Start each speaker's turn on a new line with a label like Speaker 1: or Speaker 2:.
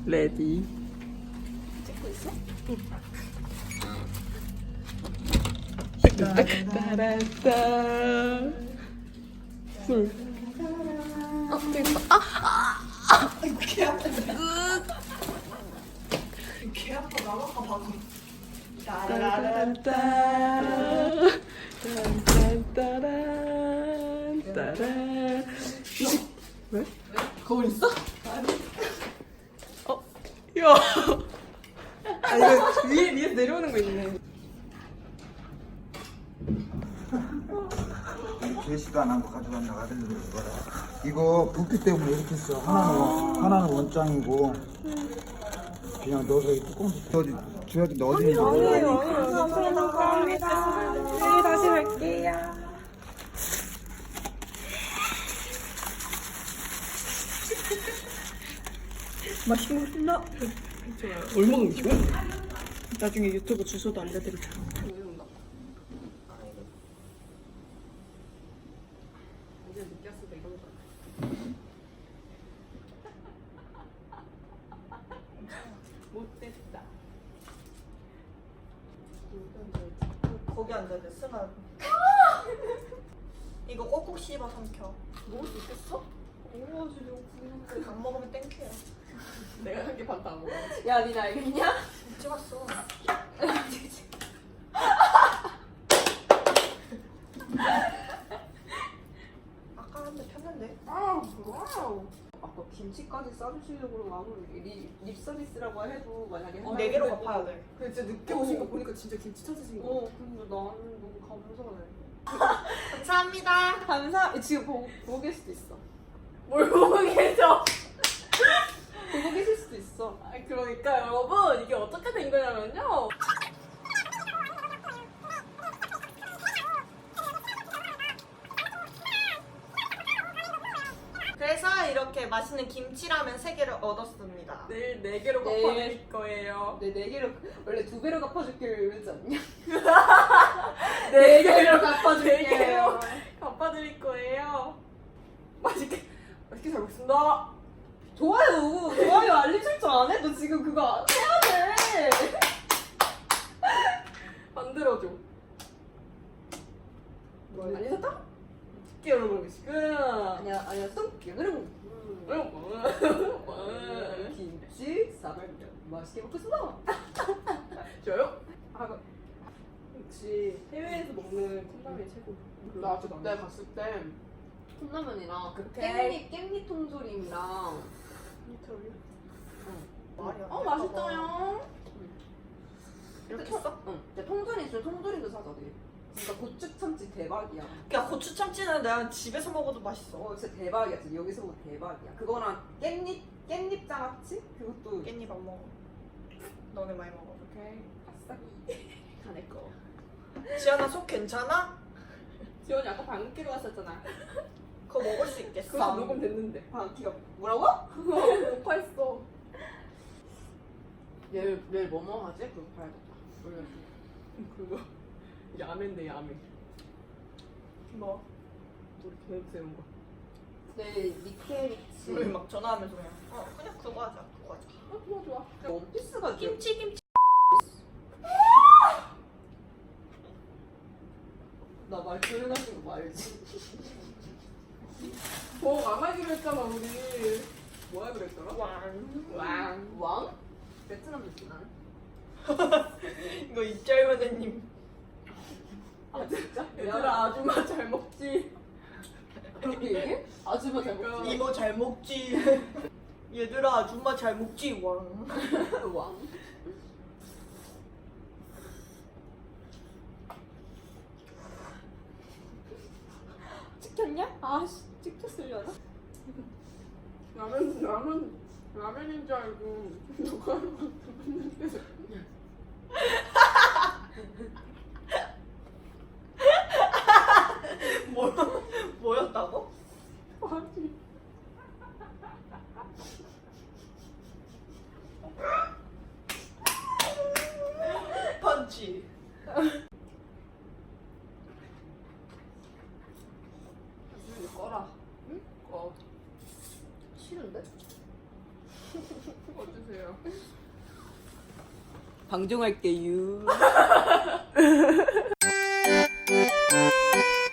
Speaker 1: 레디.
Speaker 2: 찍고 있어?
Speaker 1: 따라따. 술. 되겠다.
Speaker 2: 아이고 개 아파. 개 아파. 나가봐 방금.
Speaker 1: 따라따. 따라. 왜?
Speaker 2: 거울 있어?
Speaker 1: 야. 아 이거 위에서 내려오는 거 있네.
Speaker 3: 제시도 안 하고 가져간다고 하던데 이거라. 이거 붓기 때문에 이렇게 써. 하나는 원장이고 그냥 넣어서 이 뚜껑 줘야지 넣어지는 거.
Speaker 1: 감사합니다. 네, 다시 갈게요. 맛있겠나? 얼마나 음식이야? 나중에 유튜브 주소도 알려드릴게요. 이제 느꼈을 때 이런 거. 못됐다.
Speaker 2: 거기 앉아야 돼. 쓰나. 이거 꼭꼭 씹어 삼켜.
Speaker 1: 먹을 수 있겠어? 오, 지금 굶는데.
Speaker 2: 안 먹으면 땡큐야.
Speaker 1: 내가 한 개 반 다 먹어.
Speaker 4: 야, 니 알겠냐?
Speaker 2: 찍었어. 아까 한 대 폈는데.
Speaker 4: 와우. 아까 김치까지 싸주시려고 아무리 립 서비스라고 해도 만약에
Speaker 2: 네 개로 갚아야 돼.
Speaker 1: 근데 진짜 늦게 오신 거 보니까 진짜 김치 찾으신 거.
Speaker 4: 근데 나는 너무 감사해.
Speaker 2: 감사합니다.
Speaker 4: 감사. 지금 보고 계실 수도 있어.
Speaker 1: 뭘 보고 계셔?
Speaker 4: 보고 계실 수도 있어.
Speaker 1: 아, 그러니까 여러분 이게 어떻게 된 거냐면요.
Speaker 2: 그래서 이렇게 맛있는 김치라면 3개를 얻었습니다.
Speaker 1: 내일 4개로
Speaker 4: 내일.
Speaker 1: 갚아드릴 거예요.
Speaker 4: 네 개로 원래 2배로 갚아줄게요 이러지 않냐?
Speaker 1: 4개로
Speaker 4: 갚아줄게요.
Speaker 1: 갚아드릴 거예요. 맛있게 잘 먹습니다.
Speaker 4: 좋아요 알림 설정 안 해도 지금 그거 해야 돼.
Speaker 1: 만들어줘.
Speaker 4: 알림 설정?
Speaker 1: 쉽게 여러분 지금.
Speaker 4: 아니야 쏙 그럼 김치 사발면 맛있게 먹겠습니다.
Speaker 1: 저요? 역시 해외에서 먹는 컵라면이 최고.
Speaker 4: 나 그때 갔을 때 컵라면이랑 그 깻잎 통조림이랑
Speaker 2: 말이 안
Speaker 4: 어
Speaker 2: 될까
Speaker 4: 맛있어요.
Speaker 2: 이렇게 써?
Speaker 4: 응. 근데 통조림 있으면 통조림도 사자 돼. 진짜 고추 참치 대박이야.
Speaker 2: 야 고추 참치는 내가 집에서 먹어도 맛있어.
Speaker 4: 진짜 대박이야. 진짜 여기서 보면 대박이야. 그거랑 깻잎 장아찌 그것도
Speaker 2: 깻잎 안 먹어. 너네 많이 먹어.
Speaker 4: 오케이. 아싸기 가내 거.
Speaker 2: 지연아 속 괜찮아?
Speaker 4: 지원이 아까 방금 끼러 갔었잖아.
Speaker 2: 그거 먹을 수 있겠어?
Speaker 1: 그거 녹음 됐는데.
Speaker 4: 방귀가 뭐라고?
Speaker 1: 녹화했어.
Speaker 4: 내일 뭐뭐 하지? 그거 봐야겠다. 올려줘.
Speaker 1: 그거 야매인데 야매.
Speaker 2: 뭐?
Speaker 1: 우리 계획 세운 거.
Speaker 4: 내일 니케리치.
Speaker 2: 우리 막 전화하면서 그냥 그거 하자. 그거 하자.
Speaker 4: 좋아. 원피스가
Speaker 2: 김치.
Speaker 4: 나 말 조용하신 거 알지?
Speaker 1: 안 하기로 했잖아 우리. 뭐 하기로 했더라?
Speaker 4: 왕? 베트남 느낌 나네.
Speaker 2: 이거 입잘마대님.
Speaker 4: 아 진짜?
Speaker 1: 얘들아 아줌마 잘 먹지.
Speaker 4: 그렇게 얘기해? 아줌마 잘 먹지?
Speaker 2: 이모 잘 먹지. 얘들아 아줌마 잘 먹지. 왕.
Speaker 4: 왕? 찍혔냐? 아씨 찍혔으려나?
Speaker 1: 라면인 줄 알고 누가 했는데.
Speaker 2: 뭐였다고?
Speaker 1: 아니.
Speaker 2: 펀치.
Speaker 4: 꺼라. 응? 꺼. 싫은데?
Speaker 1: 어주세요.
Speaker 2: 방종할게요.